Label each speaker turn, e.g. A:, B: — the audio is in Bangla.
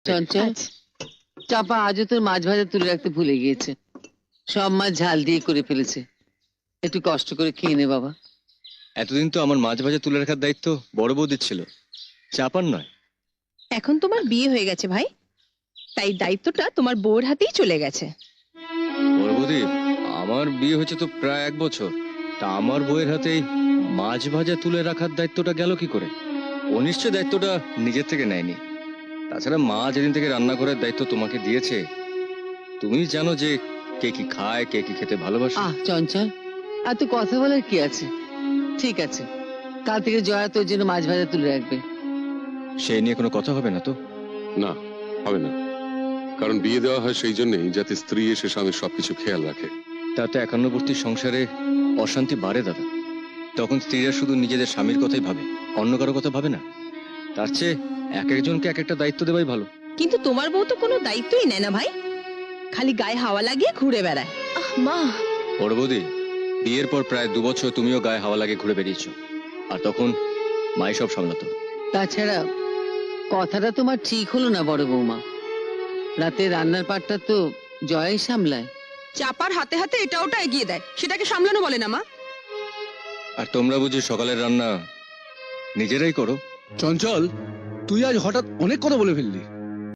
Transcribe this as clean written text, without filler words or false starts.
A: চঞ্চল,
B: আচ্ছা।
A: চাপা আজও তোর মাছ ভাজা তুলে রাখতে ভুলে গিয়েছে। সব মাছ ঝাল দিয়ে করে ফেলেছে। একটু কষ্ট করে খেয়ে নে বাবা।
C: এতদিন তো আমার মাছ ভাজা তুলে রাখার দায়িত্ব বড় বৌদির ছিল, চাপার নয়।
B: এখন তোমার বিয়ে হয়ে গেছে ভাই, তাই দায়িত্বটা তোমার বউর হাতেই চলে গেছে।
C: বড় বৌদি, আমার বিয়ে হয়েছে তো প্রায় 1 বছর, তা আমার বউয়ের হাতেই মাছ ভাজা তুলে রাখার দায়িত্বটা গেল কি করে? ও নিশ্চয় দায়িত্বটা নিজের থেকে নেয়নি। তাছাড়া মা যেদিন থেকে রান্না করার দায়িত্ব তোমাকে দিয়েছে, তুমি জানো যে কে কি খায়, কে কি খেতে ভালোবাসে।
A: চঞ্চল, আর তো কথা বলার কি আছে? ঠিক আছে, কাল থেকে জয়া তোর জন্য মাছ ভাজা তুলে রাখবে।
C: সেই নিয়ে কোনো কথা হবে না তো?
D: না, হবে না। কারণ বিয়ে দেওয়া হয় সেই জন্যই, যাতে স্ত্রী এসে স্বামীর সবকিছু খেয়াল রাখে।
C: তাতে একান্নবর্তী সংসারে অশান্তি বাড়ে দাদা। তখন স্ত্রীরা শুধু নিজেদের স্বামীর কথাই ভাবে, অন্য কারো কথা ভাবে না। তার চেয়ে এক একজনকে এক একটা দায়িত্ব দেওয়াই ভালো।
B: কিন্তু তোমার বউ তো কোনো দায়িত্বই নেয় না ভাই, খালি গায়ে হাওয়া লাগিয়ে ঘুরে বেড়ায়।
E: মা,
C: বড় বৌদি, বিয়ের পর প্রায় 2 বছর তুমিও গায়ে হাওয়া লাগে ঘুরে বেরিয়েছো, আর তখন মাই সব সামলাতো।
A: তাছাড়া কথাটা তোমার ঠিক হলো না বড় বৌমা। রাতে রান্নার পাটটা তো জয়াই সামলায়।
E: চাপার হাতে হাতে এটা ওটা এগিয়ে দেয়, সেটাকে সামলানো বলে না মা?
C: আর তোমরা বুঝি সকালের রান্না নিজেরাই করো?
F: চঞ্চল, তুই আজ হঠাৎ অনেক কথা বলে ফেললি।